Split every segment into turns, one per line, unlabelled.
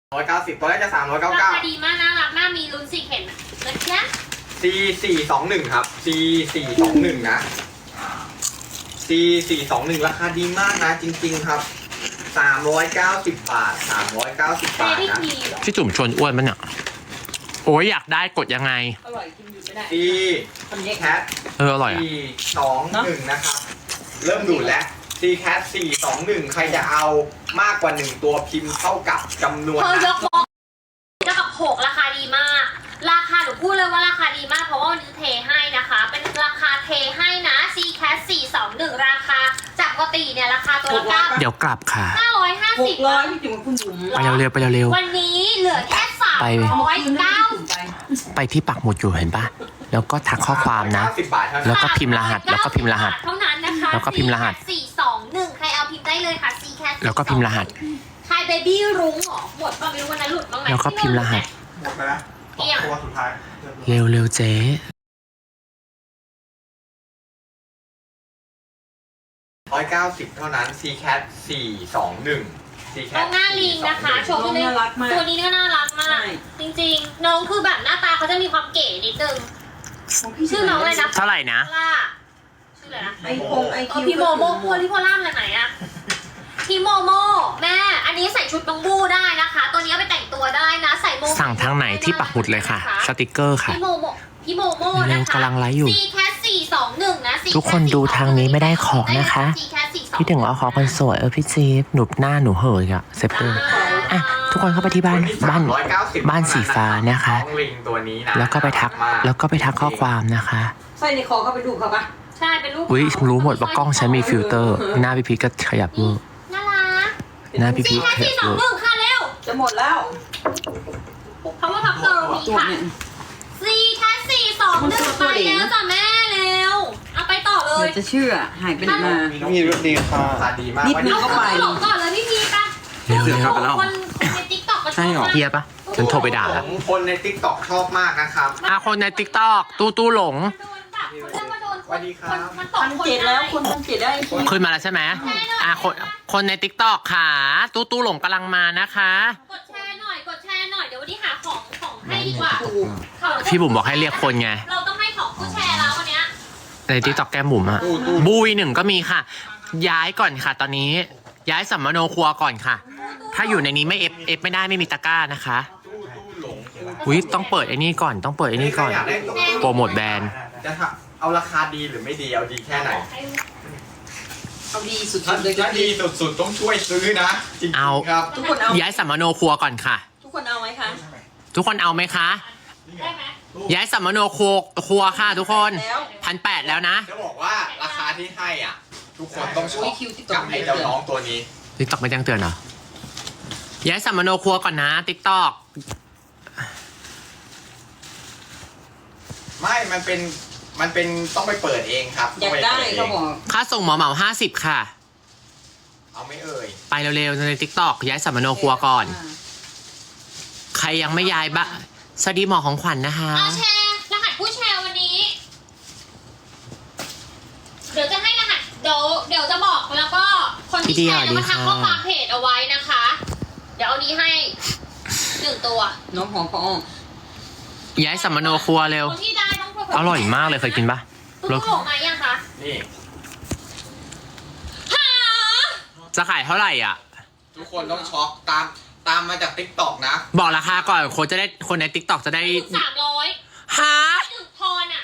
190ตัวแรกจะ399
ราคาดีมากน่ารักมากมีลุ้นสีเข็มนะจ๊ะ
C421 ครับ C421 นะ C421 ราคาดีมากนะจริงๆครับ390 บาท390 บาทนะ
พี่จุ่มชวนอ้วนมันเนี่ยโอ้ยอยากได้กดยังไง
อร่อยกินอยู่ไม่ได้
C Cat
อร่อยอ่ะ
421นะครับ เริ่มดูดแล้ว C Cat 421 ใครจะเอามากกว่า1ตัวพิมพ์เท่ากับจำนวน
เธอย
นะ
กบล็อกเท่ากับ6ราคาดีมาก ราคาหนูพูดเลยว่าราคาดีมากเพราะว่าวันนี้เทให้นะคะ เป็นราคาเทให้นะ C Cat 421 ราคาจากปกติเนี่ยราคาตัวละ
เดี๋ยวกลับค่ะ
950
600พี่จุ๋มกับคุณบุ๋ม
ไปเร็วๆไปเร็ว
วันนี้เหลือแค่
ไป
390
ๆไปที่ปักหมุดอยู่เห็นปะแล้วก็ทักข้อความนะ
90 บาทเท่า
แล้
นั้
วน ก็พิมพ์รหัสแล้วก็พิมพ์รหัส
เท่านั้นนะคะ
แล้วก็พิมพ์รหัส
421 ใครเอาพิมพ์ได้เลยค่ะ C Cat
แล้วก็พิมพ์รหัส
ใครเบบี้รุ้งเหรอหมดป่ะไม่รู้วันนั้นหลุดบ้างไหม
แล้วก็พิมพ์รหัส
หมดไปแล้วตัวสุดท้าย
เร็วๆเจ๊
190 เท่านั้น C Cat 421 C
น้อ
Cat
งหน้าลิงนะคะโชว์เลยตัวนี้ก็น่ารักมาก จริงๆ น้องคือแบบหน้าตาเขาจะมีความเก๋นิดนึงชื่อน้องอะไรนะ
เท่าไหร่นะ
ล่าชื่ออะไรนะ
ไอโคงไอคิว
พี่โมโมพัวที่โพล่ามอะไรไหนอะพี่โมโมแม่อันนี้ใส่ชุดบังบูได้นะคะ ตัวนี้เอาไปแต่งตัวได้นะใส่โม
สั่งทางไหนที่ปักหมุดเลยค่ะ สติกเกอร์ค่ะ
พี่โมโม
เร็ว
นะคะ
กำลังไลฟ์อยู่
C Cat 421 นะ C Cat
ทุกคนดูทางนี้ไม่ได้ของนะคะ
C Cat 421
พี่ถึงเอาขอคนสวยพี่จี๊บหนุบหน้าหนูเหยอะเซฟเตอร์อ่ะทุกคนเข้าไปที่บ้านบ้านสีฟ้านะคะ
น้องลิงตัวนี้นะ
แล้วก็ไปทักข้อความนะคะ
ใส่ในคอเขาไปดูเขาปะ
ใช่เป็นรูป
อุ้ยรู้หมดว่ากล้องฉันมีฟิลเตอร์ หน้าพี่พีชก็ขยับมือ
น่ารัก
หน้าพี่
C
พีช
Cat
ขยับมือ
421ค่ะเร็ว
จะหมดแล้ว
เพราะว่าพับเกิร์ลมี
ตัว
ค่ะ
เนี่ย
C Cat 421 ไปแล้วจ้ะแม่เร็วเอาไปต่อเล
เหมื
ย
อนจะเชื่อหายไปไหนมา
มีรถดีค่ะราคาดีมาก
นิดนึง
เอา
เข้าไป
หลงก่อนเลยพี่พีป่ะ
เร็วๆ
คนในติ๊กต็อกก็ชอบมาก
เฮียปะฉันโทรไปด่า
ข
แล้
อ
ว
งคนใน TikTok ชอบมากนะครับ
คนในติ๊กต็อกตู้หลง
โดนแบบเขาเรียกว่าโดน
สวัสดีครับ
มันตก
1,700แล้วคุณ1,700ได้
ขึ้นมาแล้วใช่ไหมคนในติ๊กต็อกค่ะตู้หลงกำลังมานะคะ
กดแชร์หน่อยเดี๋ยววันนี้หาของให้ดีกว่า
ถูก
พี่บุ๋มบอกให้เรียกคนไง
เราต้องให้ของผู้แชร์แล้ววันเนี้ย
ในติ๊กต็อกแก้มบุ๋มอะบุย1ก็มีค่ะ ย้ายก่อนค่ะ ตอนนี้ย้ายสัมมโนครัวก่อนค่ะ ถ้าอยู่ในนี้ไม่เอฟไม่ได้ไม่มีตะกร้านะคะ
หลง
อุ้ยต้องเปิดไอ้นี่ก่อนโปรโมทแบรนด์
จะเอาราคาดีหรือไม่ดีเอาดีแค่ไหน
เอาดีสุด
ถ้า
ๆเลย
ดีสุดๆต้องช่วยซื้อนะจริง
เอา
ๆครับ
ทุกคนเอา
ย้ายสัมมโนครัวก่อนค่ะ
ทุกคนเอาไหมคะ
ทุกคนเอาไหมคะ
ได้ไหม
ย้ายสัมมโนครัวค่ะทุกคน
แล้ว
1,800แล้วนะ
จะบอกว่าราคาที่ให้อ่ะ ทุกคนต้องชอบกับไอ้เจ้าน้องตัวนี้
ติ๊กต็อกไม่แจ้งเตือนเหรอย้ายสัมมโนครัวก่อนนะติ๊กต็อก
ไม่มันเป็นต้องไปเปิดเองครับ
อยากได้เขาบอก
ค่าส่งเหมา50ค่ะ
เอาไม่เอ่ย
ไปเร็วๆในติ๊กต็อกย้ายสัมมโนครัวก่อน ใครยังไม่ย้ายบะสวัสดีหมอของขวัญนะคะ
เอาแชร์รหัสผู้แชร์วันนี้ เดี๋ยวจะให้รหัสเดี๋ยวจะบอกแล้วก็คนที่แชร์จะมาทักข้อความเพจเอาไว้นะคะ เดี๋ยวเอานี้ให้1ตัว
น้องหอมปอง
ย้ายสัมมโนครัวเร็ว
คนที่ได้ต้อง
อร่อยมากเลยเคยกินปะ
ตู้หลงมายังคะ
นี่
หา
จะขายเท่าไหร่อ่ะ
ทุกคนต้องช็อกตามมาจาก TikTok นะ
บอกราคาก่อนคนในติ๊กต็อกจะได้
300
ฮะ
1พรอ่ะ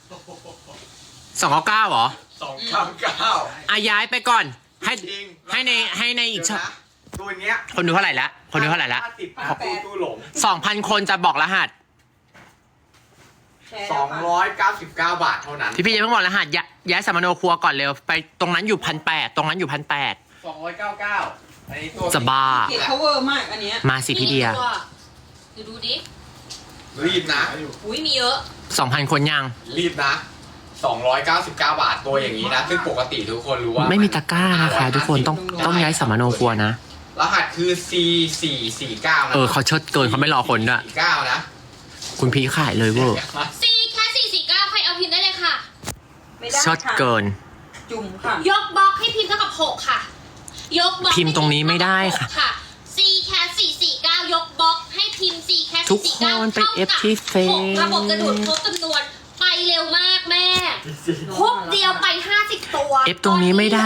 299เหรอ
299
อ่ะย้ายไปก่อน ให้
จริง
ให้ในอีก
เดี๋ยวนะตัวเนี้ย
คนดูเท่าไหร่ละคนดูเท่าไหร่ละ
ถ้าติดปั๊บตู้หลง
2,000 คนจะบอกรหัส
แชร์แล้วค่ะ
299 บาทเท่านั้น
พี่ยังไม่บอกรหัสย้ายสัมมโนครัวก่อนเร็วไปตรงนั้นอยู่1,800ตรงนั้นอยู่1,800
299อันนี้ตัว
จะบ้า
เก๋เขาเวอร์มากอันเนี้ย
มาสิพี่เดีย
ดูดิ
รีบนะ
อุ้ยมีเยอะ
2,000 คนยัง
รีบนะ 299 บาทตัวอย่างนี้นะ ซึ่งปกติทุกคนรู้ว่า
ไม่มีตะกร้านะคะ ทุกคนต้องย้ายสัมมโนครัวนะ
รหัสคือ C449 นะ
เขาเชิดเกินเขาไม่รอคนด้วย
49นะ
คุณพีขายเลยเวอร์
C แค่449ใครเอาพิมพ์ได้เลยค่ะ
ไม่ได้
เชิด
ค่ะ
เกิน
จุ่มค่ะ
ยกบล็อกให้พิมพ์เท่ากับ6ค่ะ ยกบล็อก
พิมพ์ตรงนี้ไม่ได้ค่ะ
ค่ะ C แค่449ยกบล็อก
ทุกคนไป F ที่เฟซ
ระบบจะดูดครบจำนวนไปเร็วมากแม่ครบเดียวไป50ตัว
F ตรงนี้ไม่ได้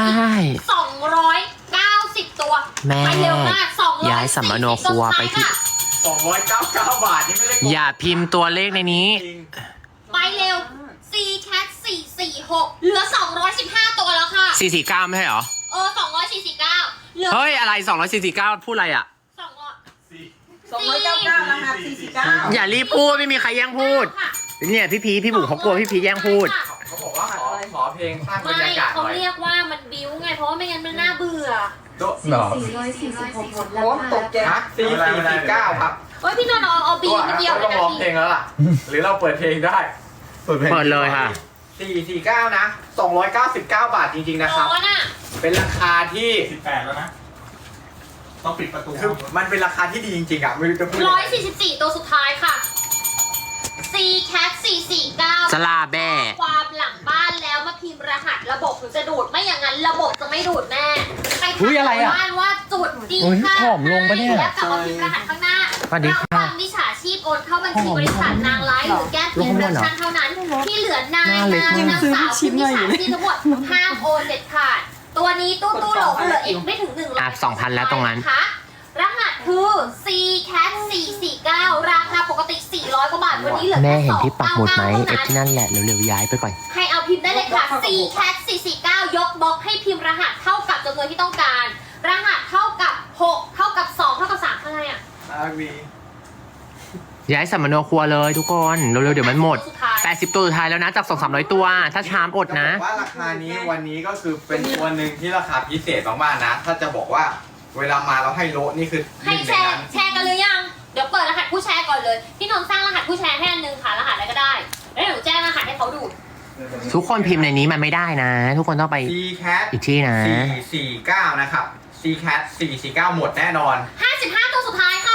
290 ตัว
แม่
ไปเร็วมาก200
ย้ายสัมมโนครัวไปที่
299 บาทนี่ไม่ได้
อย่าพิมพ์ตัวเลขในนี้
จริง
ไปเร็ว CCAT 446เหลือ215ตัวแล้วค่ะ
449 ไม่ใช่เหรอ
249เหลือ
เฮ้ย อะไร 249 พูดอะไรอ่ะ
200
299รหัส449
อย่ารีบพูด ไม่มีใครแย่งพูด เนี่ยพี่พีพี่บุ๋มเขากลัวพี่พีแย่งพูด
เขาบอกว่าขอเพลงสร้างบรร
ไม่
ยากาศห
เขา
น่อย
เรียกว่ามันบิ้วไง เพราะว่าไม่งั้นมันน่าเบื่อ
หรอ
446หมดแล้ว
โอ้ตกใจ
ฮะ449 ครับ
เฮ้ยพี่นนท์เอาบีมาเดียวเล
ต้
ย
อง
นะ
ร้อง
พี่
เพลงแล้วล่ะ หรือเราเปิดเพลงได้
เปิดเลยค่ะ
449 นะ 299 บาทจริงๆนะครับ
ร้อนอ่ะ
เป็นราคาที่
18 แล้วนะ ต้องปิดประตู
คือมันเป็นราคาที่ดีจริงๆอ่ะไม่รู้จะพูดยังไง
144 ตัวสุดท้ายค่ะ CCAT 449
สลาแบ่
ความหลังบ้านแล้วมาพิมพ์รหัสระบบถึงจะดูดไม่อย่างนั้นระบบจะไม่ดูดแม่ไป
อุ๊ยอะไรอะ
บ้านว่าจุดดี
โอ้ย
ค่ะ
ผอมลงปะเนี่ย
แล้วกลับมาพิมพ์รหัสข้างหน้า
สวัสดีค่ะ
ระวังมิจฉาชีพโอนเข้าบัญชีบริษัทนางร้ายหรือแก้พิมพ์เรชั่นเท่านั้น ที่เหลือนาย
หน้าเล็ก
นาง
มาก
สาวคือมิจฉาชีพทั้งหมดห้ามโอนเด็ดขาด ตัวนี้ตู้หลงเหลืออีกไม่ถึง100
อ่ะ2,000แล้วตรงนั้น
นะคะรหัสคือ CCAT 449 ราคาปกติ 400 กว่าบาท วันนี้เหลือ
แม่
แค่
เห็นที่ปักหมุดไหม
299
เอฟที่นั่นแหละ เร็วๆย้ายไปก่อน
ให้เอาพิมพ์ได้เลยค่ะ CCAT 449 ยกบล็อกให้พิมพ์รหัสเท่ากับจำนวนที่ต้องการ รหัสเท่ากับ 6 เท่ากับ 2 เท่ากับ3เท่าไหร่อ่ะ
มี
ย้ายสัมมโนครัวเลยทุกคน เร็วๆเดี๋ยวมันหมด
สุดท้าย
80 ตัวสุดท้ายแล้วนะ จาก 200-300 ตัว ถ้าชามอดนะ
จบอกว่าราคานี้วันนี้ก็คือเป็นตัวหนึ่งที่ราคาพิเศษมากๆนะ ถ้าจะบอกว่าเวลามาเราให้โละนี่คือ
ให้
หนึ่ง
แช
ใน
ร์
นั้น
แชร์กันหรือยัง เดี๋ยวเปิดรหัสผู้แชร์ก่อนเลย พี่นนท์สร้างรหัสผู้แชร์ให้อันนึงค่ะรหัสอะไรก็ได้ แล้วเดี๋ยวหนูแจ้งรหัสให้เขาดู
ทุกคนพิมพ์ในนี้มันไม่ได้นะ ทุกคนต้องไป
CCAT
อีกที่นะ
449 นะครับ CCAT 449 หมดแน่นอน
55 ตัวสุดท้ายค่ะ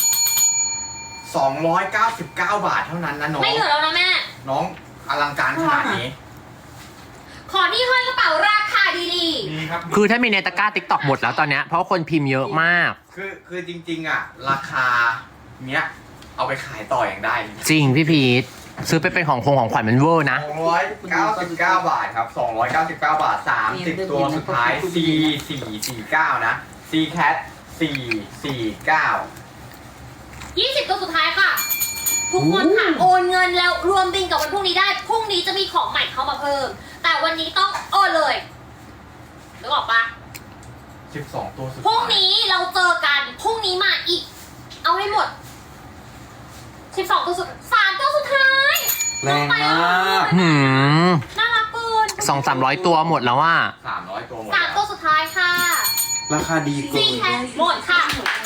299 บาทเท่านั้นนะน้อง
ไม่เหลือแล้วนะแม่
น้องอลังการขนาดนี้
ขอที่ห้อยกระเป๋าราคาดี
มีครับ
คือถ้ามีในตะกร้าติ๊กต็อกหมดแล้วตอนเนี้ย เพราะคนพิมพ์เยอะมาก
คือจริงๆอ่ะ ราคาเนี้ย เอาไปขายต่ออย่างได้
จริงพี่พีทซื้อไปเป็นของขวัญมันเวอร์นะ
299 บาทครับ 299 บาท 30 ตัวสุดท้าย C449 นะ CCAT 449
ๆ 20 ตัวสุดท้ายค่ะ ทุกคนค่ะโอนเงินแล้วรวมบินกับวันพรุ่งนี้ได้ พรุ่งนี้จะมีของใหม่เข้ามาเพิ่ม แต่วันนี้ต้องโอนเลยนึกออกปะ
12 ตัวสุด
พรุ่ง
ท้าย
นี้เราเจอกัน พรุ่งนี้มาอีก เอาให้หมด 12 ตัวสุด3ตัวสุดท้าย
แรงมาก
หืม
น่ารักเกิน
200-300 ตัวหมดแล้วว่า
300 ตัวหมด
3 ตัวสุดท้ายค่ะ
ราคาดีเกิ
ซี
น
แคทหมดค่ะ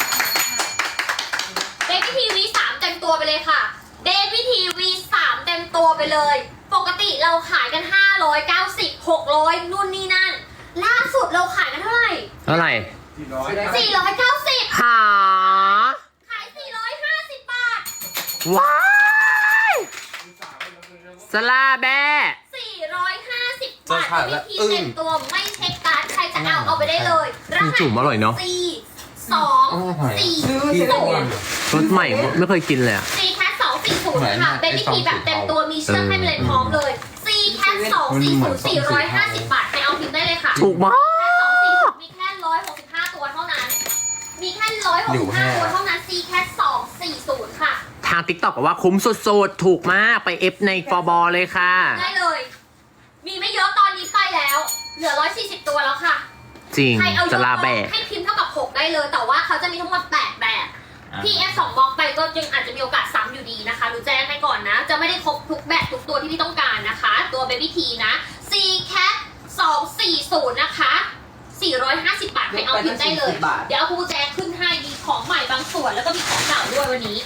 เดวิทีวี3เต็มตัวไปเลยค่ะเดวิทีวี3เต็มตัวไปเลย ปกติเราขายกัน 590 600นู่นนี่นั่น ล่าสุดเราขายกันเท่าไหร่
เท่าไหร่
490
หา
ขาย 450 บาท
ว้ายสลาแบ่
450 บาทวิธีเต็มตัวไม่เช็คการ์ดใครจะเอาไปได้เลยรหัส
จุ่มอร่อยเนาะ
4 2 4
รสใหม่ไม่เคยกินเลยอะ
C Cat 240 ค่ะเป็นวิธีแบบเต็มตัวมีเชือกให้ไปเลยพร้อมเลย C Cat 240 450 บาทให้เอาพิมพ์ได้เลยค่ะ
ถูกมาก
240มีแค่165 ตัวเท่านั้น มีแค่165 ตัวเท่านั้น C Cat 240 ค่ะ
ทางติ๊กต็อกบอกว่าคุ้มสุดๆ ถูกมากไปเอฟในฟอบอเลยค่ะ
ได้เลย มีไม่เยอะตอนนี้ไปแล้ว เหลือ140 ตัวแล้วค่ะ
จริง
ใครเอาย
ส
ก
ลา
บล็
แบ่
อกให้พิมพ์เท่ากับ 6 ได้เลย แต่ว่าเขาจะมีทั้งหมด 8 แบบพี่F2 บล็อกไปก็ยังอาจจะมีโอกาสซ้ำอยู่ดีนะคะหนูแจ้งให้ก่อนนะ จะไม่ได้ครบทุกแบบทุกตัวที่พี่ต้องการนะคะ ตัว Baby T นะ C Cat 240 นะคะ 450 บาทให้เอาพิมพ์ได้เลย เดี๋ยวเอากุญแจขึ้นให้มีของใหม่บางส่วนแล้วก็มีของเก่าด้วยวันนี้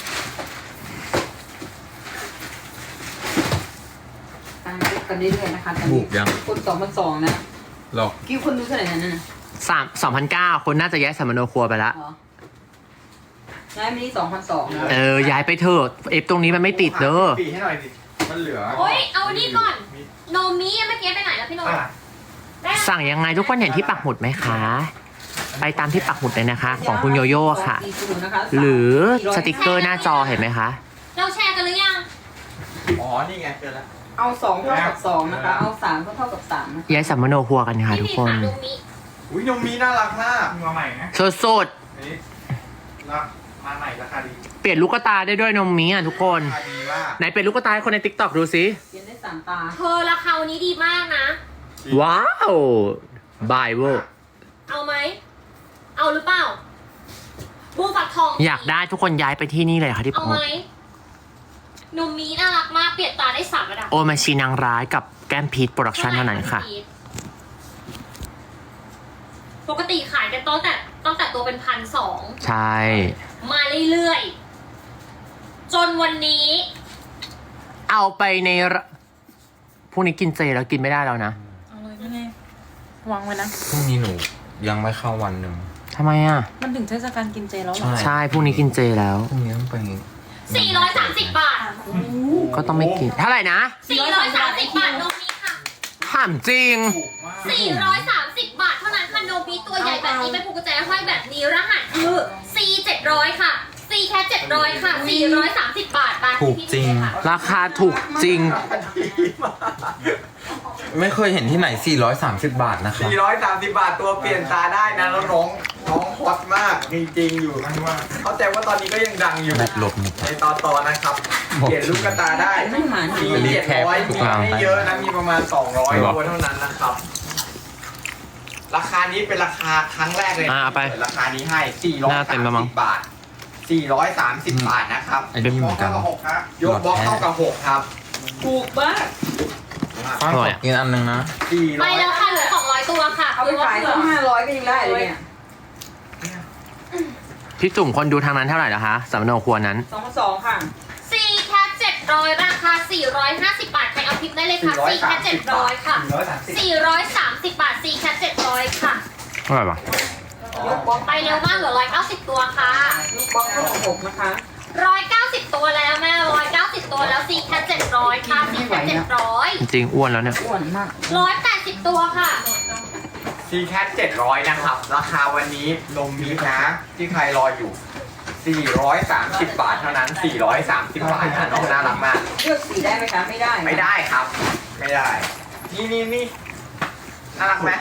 ตามกันเรื่อยๆนะคะตอน
บุ
นี้
กยัง
คน2,200นะ
หรอก
กี่คนดูเท่าไหร่นั่นน่ะ
2,900 คนน่าจะย้ายสัมมโนครัวไปละ
เหรอย้ายมานี่2,200นะ
ย้ายไปเถอะเอฟตรงนี้มันไม่ติดเด้อ
ปีให้หน่อยดิมันเหลือ
โอ้ยเอานี่ก่อน โนมิเมื่อกี้ไปไหนแล้วพี่โนม
อ่ะ
ได้
สั่งยังไงทุกคนเห็นที่ปักหมุดไหมคะไปตามที่ปักหมุดเลยนะคะ ของคุณโยโย่ค่ะ หรือสติกเกอร์หน้าจอเห็นไหมคะ
เราแชร์กันหรือยัง
อ๋อ นี่ไงเจอแล้ว
เอา2เท่ากับ2นะคะ เอา3เท่ากับ3นะคะ
ย้ายสัมมโนครัวกันค่ะทุกคน
ดูมิ
อุ้ยนมมีน่ารักมาก
มาใหม่นะ
สด
นี่รับมาใหม่ราคาดี
ๆเปลี่ยนลูกตาได้ด้วยนมมีอ่ะทุกคน
ราคาดีมาก
ไหนเปลี่ยนลูกตาให้คนในติ๊กต็อกดูสิ
เปลี่ยนได้3ตา
เธอราคาวันนี้ดีมากนะ
ว้าวบายเวอร์
เอาไหม เอาหรือเปล่าบูฟักทอง
อยากได้ทุกคนย้ายไปที่นี่เลยค่ะที่ปั
เอา
กหมุ
ไหม
ด
นมมีน่ารักมากเปลี่ยนตาได้3ระดับ
โอมาชีนางร้ายกับแก้มพีทโปรดักชั่นเท่านั้นค่ะ
ปกติขายกันตั้งแต่ตัวเป็น1,200
ใช่
มาเรื่อยๆ จนวันนี้
เอาไปในระพรุ่งนี้กินเจแล้วกินไม่ได้แล้วนะ
เอาเลยไม่ไงวางไว้นะ
พรุ่งนี้หนูยังไม่เข้าวันหนึ่ง
ทำไมอ่ะ
มันถึงเทศกาลกินเจแล้วเหรอ
ใช่พรุ่งนี้กินเจแล้ว
พรุ่งนี้ต้องไป
430 บาท
ก็ต้องไม่กินเท่าไหร่นะ
430 บาทนมมีค่ะ
ถามจริง
430 บาทเท่านั้นค่ะนมมีตัวใหญ่แบบนี้เป็นผูกกุญแจห้อยแบบนี้รหัสคือ C700 ค่ะ C แค่700 ค่ะ 430 บาทบาท
ถูกจริง
ราคาถูกจริง
ไม่เคยเห็นที่ไหน 430 บาทนะครับ
430 บาทตัวเปลี่ยนตาได้นะแล้วน้องฮอตมากจริงๆอยู่
มันว่า
เข้าใจว่าตอนนี้ก็ยังดังอยู่
แบตหลบหมด
ในตอนนะครับ เปลี่ยนลูกกระตาได้
ไม่หมา
มี
รีบแคป
700
ทุ
มี
กราง
ไม่เยอะนะ มีประมาณ 200 ตัวเท่านั้นนะครับ ราคานี้เป็นราคาครั้งแรกเลย
เอาไป
เปิดราคานี้ให้
หน้าเต็มแล้วมั้ง
430 บาท 430 บาทนะครับ
ไอ้นี่เหมือนกัน
ยกบล็อกเท่ากับ6ครับ
ถูกมาก
ฟ้าขอกินอันหนึงนะ
ไปแล้วค่ะเหลือ200 ตัวค่ะ
เอาไปขายต้อง500ก็ยังได้เลยเนี่ย
พี่จุ่มคนดูทางนั้นเท่าไหร่แล้วคะสัมมโนครัวนั้น
2,200 ค่ะ
C แค่700 ราคา 450 บาท ใครเอาพิมพ์ได้เลยค่ะ C แค่700 ค่ะ 430 บาท C แค่700 ค่ะ
เท่าไหร่ปะ
ยกบล็อก
ไปเร็วมากเหลือ190 ตัวค่ะ
ยกบล็อกเท่ากับ6นะคะ
190 ตัวแล้วแม่190 ตัวแล้ว C แค่700 ค่ะ C แค่700
จริงๆอ้วนแล้วเนี่ย
อ้วนมาก
180 ตัวค่ะ
ซีแคท700 นะครับ ราคาวันนี้นมมีนะ ที่ใครรออยู่ 430 บาทเท่านั้น 430 บาทนะน้องน่ารักมาก
เลือกสีได้ไหมคะ ไม่ได้นะ
ไม่ได้ครับ ไม่ได้ นี่น่ารักไหม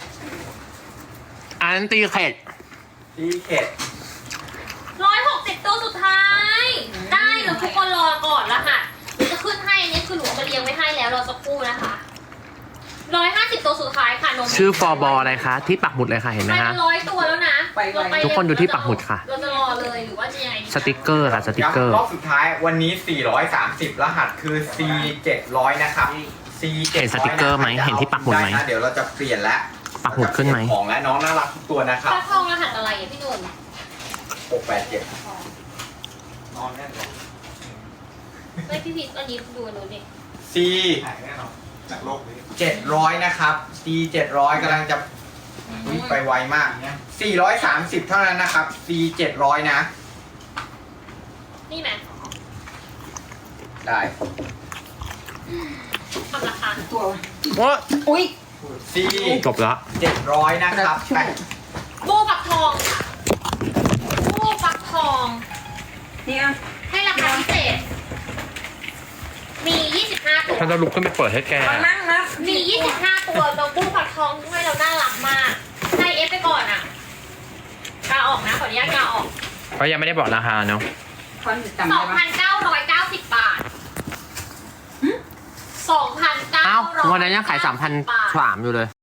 อันตีเข็ด
ซีเข็ด
160 ตัวสุดท้าย ได้หรือทุกคนรอก่อนละค่ะหนูจะขึ้นให้อันนี้คือหนูมาเรียงไว้ให้แล้วรอสักครู่นะคะ150 ตัวสุดท้ายค่ะนม
ชื่อฟอร์บออะไรคะที่ปักหมุดเลยค่ะเห็นไหม
ไป
คะ
เป็น100 ตัวแล้วนะเราไป
ทุกคนดูที่ปักหมุดค่ะ
เราจะรอเลยหรือว่าจะยังไงดี
สติกเกอร์ค่ะสติกเกอร์
รอบสุดท้ายวันนี้ 430 รหัสคือ C 700 นะครับ C 700
เห็นสติกเกอร์ไหมเห็นที่ปักหมุดไหม
เดี๋ยวเราจะเปลี่ยนแล้ว
ปักหมุดขึ้นไหม
ของและน้องน่ารักทุกตัวนะครับ
ปลาทองรหัสอะไรอ่ะพี่หนุ่ม
687
นอนแน่นอน
ไม่พี่พีทอันนี้ดูอันนู้นดิ
C
หายแน่นอนจากโลกนี้
700 นะครับ C 700กำลังจะอุ๊ยไปไวมาก 430 เท่านั้นนะครับ C 700 นะ
นี่ไหม
ได้
ทำราคา
ตัว
โอ้
อุ้ย
C
จบละ
700 นะครับ
บูปักทองค่ะบูปักทอง
เนี่ย
ให้ราคาพิเศษ มี 25 ตัว
ฉันจะลุกขึ้นไปเปิดให้แก
มานั่งนะ
มี 25 ตัวเราบูปักทองให้เราน่ารักมากให้เอฟไปก่อนอ่ะกาออกนะขออนุญาตกาออก
เพราะยังไม่ได้บอกราคาเนาะ
คอนจำได้ไหม
2,990 บาท 2,990
เอ้าวันนั้นยังขาย3,300อยู่เลย